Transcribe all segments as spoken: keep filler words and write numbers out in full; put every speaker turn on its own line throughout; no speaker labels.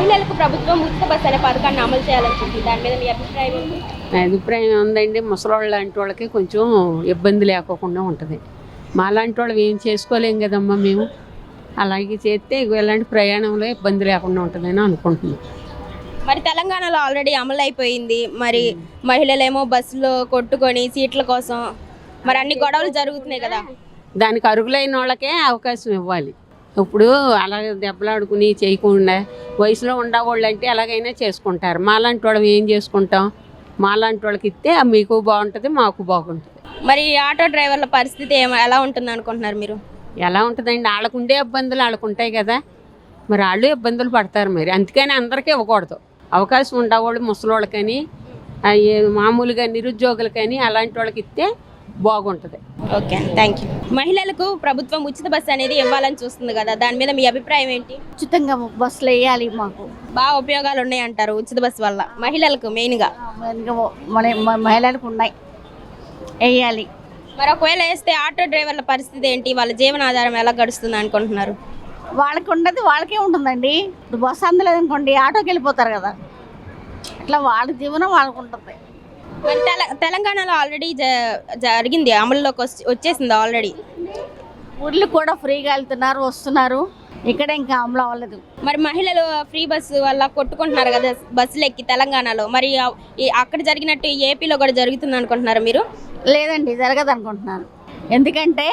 మహిళలకు ప్రభుత్వం ఉచిత బస్సు అనే పథకాన్ని అమలు చేయాలని చెప్పి దాని మీద మీ అభిప్రాయం ఏంటి?
నా అభిప్రాయం ఉందండి, ముసలోళ్ళ లాంటి వాళ్ళకి కొంచెం ఇబ్బంది లేకోకుండా ఉంటుంది. మా లాంటి వాళ్ళు ఏం చేసుకోలేం కదమ్మా మేము. అలాగే చేస్తే ఇలాంటి ప్రయాణంలో ఇబ్బంది లేకుండా ఉంటుందని అనుకుంటున్నాం.
మరి తెలంగాణలో ఆల్రెడీ అమలు అయిపోయింది. మరి మహిళలేమో బస్సులో కొట్టుకొని సీట్ల కోసం మరి అన్ని గొడవలు జరుగుతున్నాయి కదా.
దానికి అర్హులైన వాళ్ళకే అవకాశం ఇవ్వాలి. ఇప్పుడు అలాగే దెబ్బలాడుకుని చేయకుండా వయసులో ఉండేవాళ్ళు అంటే ఎలాగైనా చేసుకుంటారు. మాలాంటి వాళ్ళం ఏం చేసుకుంటాం? మాలాంటి వాళ్ళకి ఇస్తే మీకు బాగుంటుంది, మాకు బాగుంటుంది.
మరి ఆటో డ్రైవర్ల పరిస్థితి ఏమ ఎలా ఉంటుంది అనుకుంటున్నారు మీరు?
ఎలా ఉంటుందండి, వాళ్ళకు ఉండే ఇబ్బందులు వాళ్ళకు ఉంటాయి కదా, మరి వాళ్ళు ఇబ్బందులు పడతారు. మరి అందుకని అందరికీ ఇవ్వకూడదు. అవకాశం ఉండేవాళ్ళు ముసలోళ్ళకని, మామూలుగా నిరుద్యోగులకని అలాంటి వాళ్ళకి ఇస్తే బాగుంటుంది.
Okay, thank you. మహిళలకు ప్రభుత్వం ఉచిత బస్సు అనేది ఇవ్వాలని చూస్తుంది కదా, దాని మీద మీ అభిప్రాయం ఏంటి?
ఉచితంగా బస్సులు వేయాలి. మాకు
బాగా ఉపయోగాలు ఉన్నాయి అంటారు ఉచిత బస్సు వల్ల మహిళలకు మెయిన్గా?
మన మహిళలకు ఉన్నాయి, వేయాలి.
మరి ఒకవేళ వేస్తే ఆటో డ్రైవర్ల పరిస్థితి ఏంటి? వాళ్ళ జీవనాధారం ఎలా గడుస్తుంది అనుకుంటున్నారు?
వాళ్ళకి ఉండదు, వాళ్ళకే ఉంటుందండి. ఇప్పుడు బస్సు అందలేదు అనుకోండి, ఆటోకి వెళ్ళిపోతారు కదా, అట్లా వాళ్ళ జీవనం వాళ్ళకు ఉంటుంది.
మరి తెల తెలంగాణలో ఆల్రెడీ జ జరిగింది, అమలులోకి వచ్చేసింది ఆల్రెడీ.
ఊర్లు కూడా ఫ్రీగా వెళ్తున్నారు, వస్తున్నారు. ఇక్కడ ఇంకా అమలు అవ్వలేదు.
మరి మహిళలు ఫ్రీ బస్సు వల్ల కొట్టుకుంటున్నారు కదా బస్సులు ఎక్కి తెలంగాణలో. మరి అక్కడ జరిగినట్టు ఏపీలో కూడా జరుగుతుంది అనుకుంటున్నారు మీరు?
లేదండి, జరగదు అనుకుంటున్నాను. ఎందుకంటే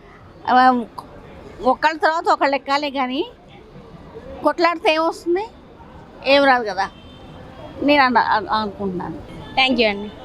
ఒకళ్ళ తర్వాత ఒకళ్ళు ఎక్కాలి, కానీ కొట్లాడితే ఏమొస్తుంది? ఏం రాదు కదా, నేను అనుకుంటున్నాను.
థ్యాంక్ యూ అండి.